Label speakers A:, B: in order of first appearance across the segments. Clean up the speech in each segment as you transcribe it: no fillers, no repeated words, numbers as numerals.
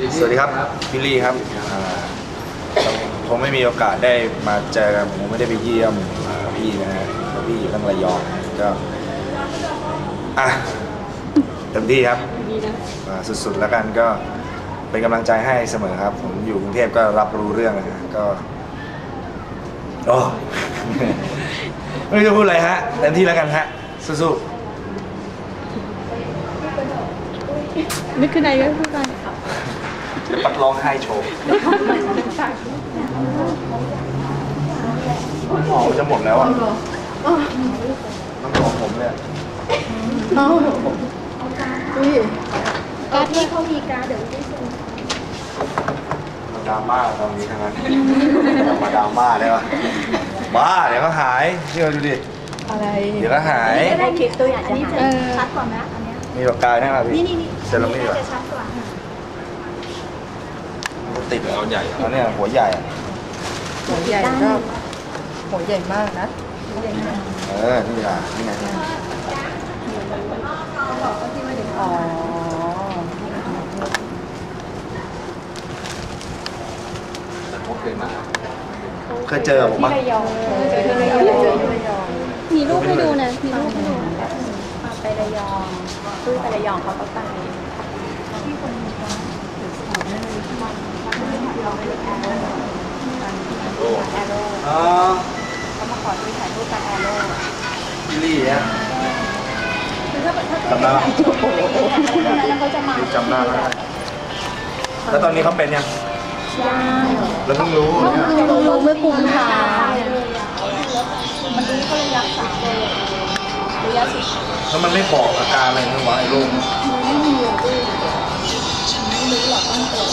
A: สวัสดีครับบิลลี่ครับคงไม่มีโอกาสได้มาเจอกันผมไม่ได้ไปเยี่ยมพี่นะฮะพี่อยู่ตั้งระยองก็เต็มที่ครับสุดๆแล้วกันก็เป็นกำลังใจให้เสมอครับผมอยู่กรุงเทพก็รับรู้เรื่องนะฮะก็โอ้ ไม่รู้จะพูดอะไรฮะเต็มที่แล้วกันฮะสู้
B: ๆนึกขึ้นไหนก็พูดกัน
A: ปัดร้องไห้โชว์หอมจะหมดแล้วอ่ะน้ำหอมผมเนี่ย
B: การ์ดที่เขามีการ์ดเดี๋ยวได้ส่ง
A: ดราม่าตอนนี้ทั้งนั้นมาดราม่าได้ปะบ้าเดี๋ยวก็หายเชื่อดูดิ
B: อะไร
A: เดี๋ยวก็หาย
C: ได้คลิปตัวอย่างจะหายชัดกว่าไหมอันนี้
A: มีปากกาใช่ไหมพี่
C: นี่
A: เซรามิก
C: จะชัดกว่า
A: ติดเอาใหญ่เอาเนี่ยหัวใหญ่
B: หัวใหญ่ก็หัวใหญ่มากนะ
A: นี่ล่ะนี่ไง
B: อ๋อ
A: เคยเจอผมปะ
B: มีรูปให้ดูนะมีรูปให้ดู
C: ไประยองตู้ไประยองเขาก็ไปที่คนแอโร่เขามาขอดูถ่ายรูปกับแอโร่
A: บิลลี่เนี่ยจำได้ปะ
C: แล้วเขาจะมา
A: จำได้แล้วตอนนี้เขาเป็นยังแล้วเพิ่งรู้
B: เมื่อกุมภา
C: มันรู้เขาเลยรักษาเลยระยะสุด
A: แล้วมันไม่บอกอาการอะไรมั้งวะไอ้โรค
C: ไม่มีเลยไม่รู้หรอกต้องเกิด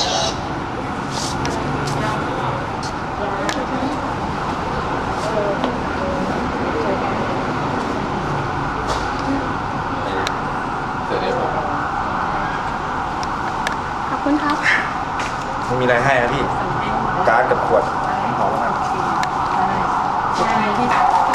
B: ขอบคุณครับ
A: ไม่มีอะไรให้นะพี่การ์ดกับขวดหอมแล้วกัน